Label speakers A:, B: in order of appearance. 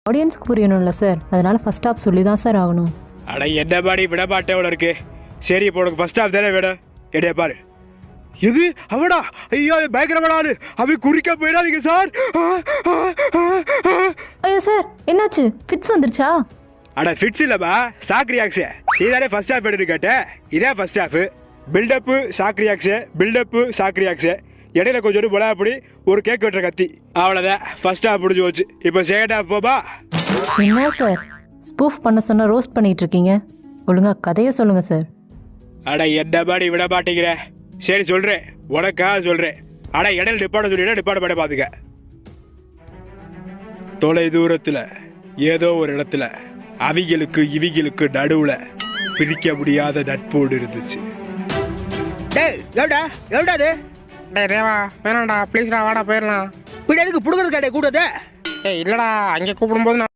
A: ஆடியன்ஸ்க்கு புரியணும்ல சார், அதனால ஃபர்ஸ்ட் ஹாஃப் சொல்லி தான் சார் ஆகணும்.
B: அட என்ன பாடி விட மாட்டே எவ்வளோ இருக்கு. சரி இப்போ உனக்கு ஃபர்ஸ்ட் ஹாஃப் தானே வேணும். எடைய பாரு. எது அவடா? ஐயோ பயங்கரமானு அவை குறிக்க போயிடாதீங்க சார்.
A: ஐயோ சார், என்னாச்சு? ஃபிட்ஸ் வந்துருச்சா?
B: அட ஃபிட்ஸ் இல்லைப்பா, ஷாக் ரியாக்ஸு. இதானே ஃபர்ஸ்ட் ஹாஃப் எடுத்து கேட்டேன். இதே first half. Buildup shock reacts, buildup shock reacts. இடையில கொஞ்சம் பொலாப்படி ஒரு கேக் வெட்டுற கத்தி, அவ்வளோதான். ஃபர்ஸ்ட் ஹாஃப் முடிஞ்சு போச்சு. இப்போ செகண்ட் ஹாஃப் போப்பா.
A: என்ன சார் ஸ்பூஃப் பண்ண சொன்ன ரோஸ்ட் பண்ணிட்டு இருக்கீங்க? ஒழுங்கா கதையை சொல்லுங்க சார்.
B: அட என்ன பாடி விட மாட்டேங்கிற. சரி சொல்கிறேன், உனக்காக சொல்கிறேன். அட இடையில டிப்பாட சொல்லிட்டா டிப்பாட பாட பார்த்துக்க. தொலை தூரத்தில் ஏதோ ஒரு இடத்துல அவிகளுக்கு இவிகளுக்கு நடுவில் பிரிக்க முடியாத நட்போடு இருந்துச்சு.
C: டேய் எவ்வளோடா எவ்வளோடா அது?
D: டேய் தேவா வேணாம்டா ப்ளீஸ்டா வாடா போயிடலாம்.
C: இப்படி எதுக்கு புடுங்கிறது கேட்டே கூடாது?
D: ஏய் இல்லைடா அங்கே கூப்பிடும்போது